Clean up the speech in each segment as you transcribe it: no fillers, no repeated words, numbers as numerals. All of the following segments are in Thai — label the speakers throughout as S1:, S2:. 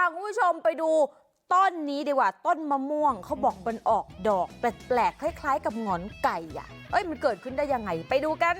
S1: คุณผู้ชมไปดูต้นนี้ดีกว่าต้นมะม่วงเขาบอกมันออกดอกแปลกๆคล้ายๆกับหงอนไก่อ่ะมันเกิดขึ้นได้ยังไงไปดูกัน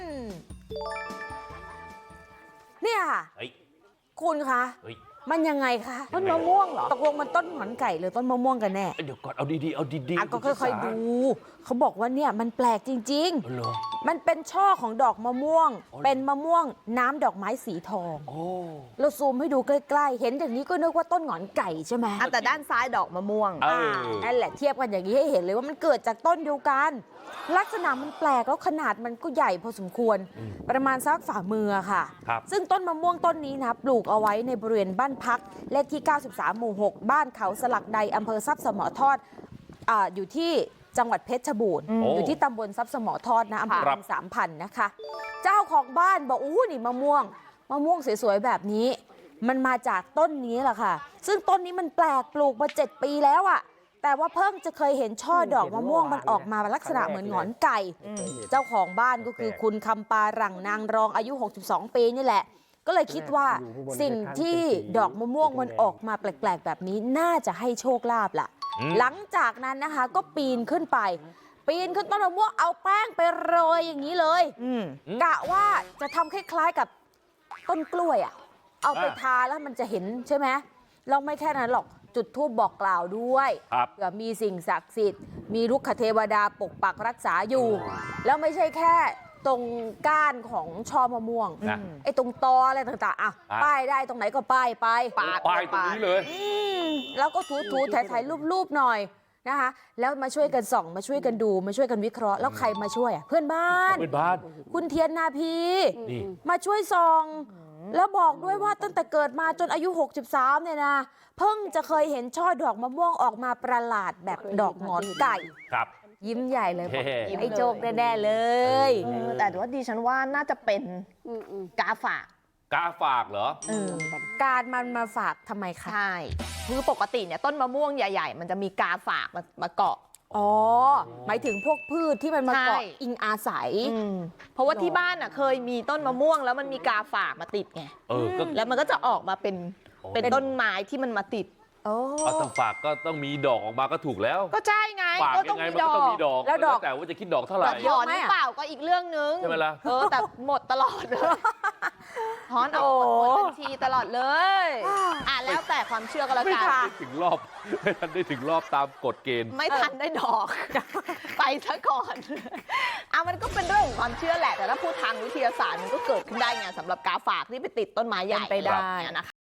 S1: เนี่ยคุณคะมันยังไงคะต้นมะม่วงเหรอตกลงมันต้นหงอนไก่หรือต้นมะม่วงกันแน่
S2: เดี๋ยวก่อนเอาดีๆเอาดีๆ
S1: ก็ค่อยๆดูเขาบอกว่าเนี่ยมันแปลกจริงๆมันเป็นช่อของดอกมะม่วงเป็นมะม่วงน้ำดอกไม้สีทองเราซูมให้ดูใกล้ๆเห็นอย่างนี้ก็นึกว่าต้นหงอนไก่ใช่ไหม
S3: แต่ด้านซ้ายดอกมะม่วง
S1: นั่นแหละเทียบกันอย่างนี้ให้เห็นเลยว่ามันเกิดจากต้นเดียวกันลักษณะมันแปลกแล้วขนาดมันก็ใหญ่พอสมควรประมาณสักฝ่ามือค่ะซึ่งต้นมะม่วงต้นนี้นะปลูกเอาไว้ในบริเวณบ้านพักเลขที่93หมู่6บ้านเขาสลักใดอำเภอทรัพย์สมทอดอยู่ที่จังหวัดเพชรบูรณ์อยู่ที่ตำบลทรัพย์สมทอดนะอำเภอ3,000นะคะเจ้าของบ้านบอกนี่มะม่วงสวยๆแบบนี้มันมาจากต้นนี้แหละค่ะซึ่งต้นนี้มันแปลกปลูกมา7 ปีแล้วอะแต่ว่าเพิ่งจะเคยเห็นช่อดอกมะม่วงมันออกมาลักษณะเหมือนหงอนไก่เจ้าของบ้านก็คือคุณคำปาหลังนางรองอายุ62 ปีนี่แหละก็เลยคิดว่าสิ่งที่ดอกมะม่วงมันออกมาแปลกๆแบบนี้น่าจะให้โชคลาภล่ะหลังจากนั้นนะคะก็ปีนขึ้นต้นมะม่วงเอาแป้งไปโรยอย่างนี้เลยกะว่าจะทำคล้ายๆกับต้นกล้วยเอาไปทาแล้วมันจะเห็นใช่ไหมเราไม่แค่นั้นหรอกจุดธูปบอกกล่าวด้วยเผื่อมีสิ่งศักดิ์สิทธิ์มีรุกขเทวดาปกปักรักษาอยู่แล้วไม่ใช่แค่ตรงก้านของช่อมะม่วงตรงตออะไรต่างๆป้ายได้ตรงไหนก็ป้ายไป
S2: ป้ายตรงนี้เลย
S1: แล้วก็ถูถ่ายรูปหน่อยนะคะแล้วมาช่วยกันส่องมาช่วยกันดูมาช่วยกันวิเคราะห์แล้วใครมาช่วยเพื่อนบ้านคุณเทียนนาพีมาช่วยส่องแล้วบอกด้วยว่าตั้งแต่เกิดมาจนอายุ63เนี่ยนะเพิ่งจะเคยเห็นช่อดอกมะม่วงออกมาประหลาดแบบดอกหงอนไก่ยิ้มใหญ่เลยไอ้โจกแน่ๆเลย
S3: แต่ว่าดิฉันว่าน่าจะเป็นกาฝาก
S2: เหรอ
S1: การมันมาฝากทำไมคะ
S3: ใช่คือปกติเนี่ยต้นมะม่วงใหญ่ๆมันจะมีกาฝากมาเกาะ
S1: หมายถึงพวกพืชที่มันมาเกาะอิงอาศัย
S3: เพราะว่าที่บ้านเคยมีต้นมะม่วงแล้วมันมีกาฝากมาติดไงแล้วมันก็จะออกมาเป็นต้นไม้ที่มันมาติด
S2: ถ้าฝากก็ต้องมีดอกออกมาก็ถูกแล้ว
S3: ก็ใช่ไง
S2: ฝากยังไงมันก็ต้องมีดอกแล้วแต่ว่าจะคิดดอกเท่าไหร่
S3: ถอนหรือเปล่าก็อีกเรื่องนึง
S2: ใช่ไหมล่ะ
S3: แต่หมดตลอดเลยถอนเอาหมดบัญชีตลอดเลยแล้วแต่ความเชื่อก็แล้วกัน
S2: ไม่ทันได้ถึงรอบตามกฎเกณฑ์
S3: ไม่ทันได้ดอกไปซะก่อนมันก็เป็นเรื่องของความเชื่อแหละแต่ถ้าพูดทางวิทยาศาสตร์มันก็เกิดขึ้นได้ไงสำหรับกาฝากที่ไปติดต้นไม้ใหญ่
S1: ไปได้
S3: นะคะ